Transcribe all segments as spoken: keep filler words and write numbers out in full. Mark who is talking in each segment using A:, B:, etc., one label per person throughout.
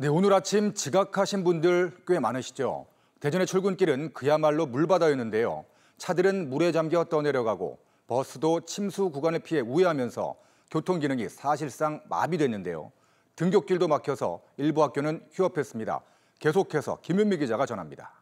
A: 네, 오늘 아침 지각하신 분들 꽤 많으시죠. 대전의 출근길은 그야말로 물바다였는데요. 차들은 물에 잠겨 떠내려가고 버스도 침수 구간을 피해 우회하면서 교통 기능이 사실상 마비됐는데요. 등굣길도 막혀서 일부 학교는 휴업했습니다. 계속해서 김윤미 기자가 전합니다.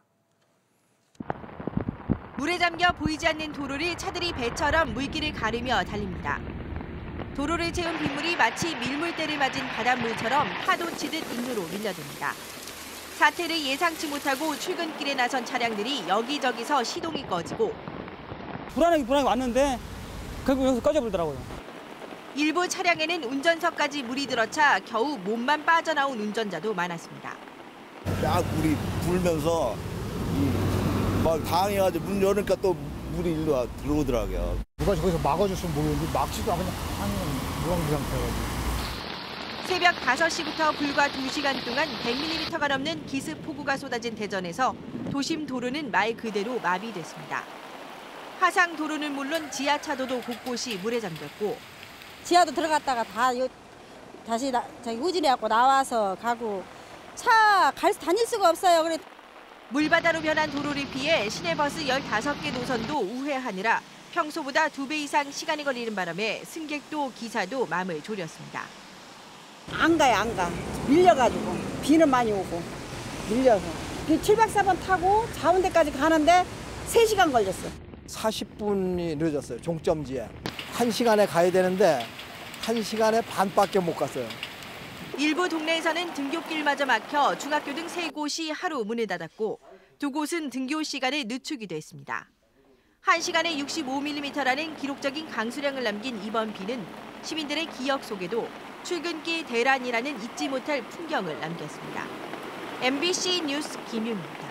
B: 물에 잠겨 보이지 않는 도로를 차들이 배처럼 물길을 가르며 달립니다. 도로를 채운 빗물이 마치 밀물대를 맞은 바닷물처럼 파도 치듯 인도로 밀려듭니다. 사태를 예상치 못하고 출근길에 나선 차량들이 여기저기서 시동이 꺼지고
C: 불안하게 불안하게 왔는데 결국 여기서 꺼져버리더라고요.
B: 일부 차량에는 운전석까지 물이 들어차 겨우 몸만 빠져나온 운전자도 많았습니다.
D: 막 물이 불면서 막 당해가지고 문 열으니까 또 물이 일로 와 들어오더라고요.
E: 누가 저기서 막아줬으면 모르겠는데 막지도 않고 그냥 하는 무방비 상태여가지고.
B: 새벽 다섯 시부터 불과 두 시간 동안 백 밀리미터가 넘는 기습 폭우가 쏟아진 대전에서 도심 도로는 말 그대로 마비됐습니다. 하상 도로는 물론 지하차도도 곳곳이 물에 잠겼고
F: 지하도 들어갔다가 다 요, 다시 나, 저기 우진해갖고 나와서 가고 차 갈 다닐 수가 없어요. 그래.
B: 물바다로 변한 도로를 피해 시내버스 열다섯 개 노선도 우회하느라 평소보다 두 배 이상 시간이 걸리는 바람에 승객도 기사도 마음을 졸였습니다.
F: 안 가요, 안 가. 밀려가지고 비는 많이 오고 밀려서 칠백사 번 타고 자운대까지 가는데 세 시간 걸렸어.
D: 사십 분이 늦었어요. 종점지에. 한 시간에 가야 되는데 한 시간에 반밖에 못 갔어요.
B: 일부 동네에서는 등굣길마저 막혀 중학교 등 세 곳이 하루 문을 닫았고 두 곳은 등교 시간을 늦추기도 했습니다. 한 시간에 육십오 밀리미터라는 기록적인 강수량을 남긴 이번 비는 시민들의 기억 속에도 출근길 대란이라는 잊지 못할 풍경을 남겼습니다. 엠비씨 뉴스 김윤미입니다.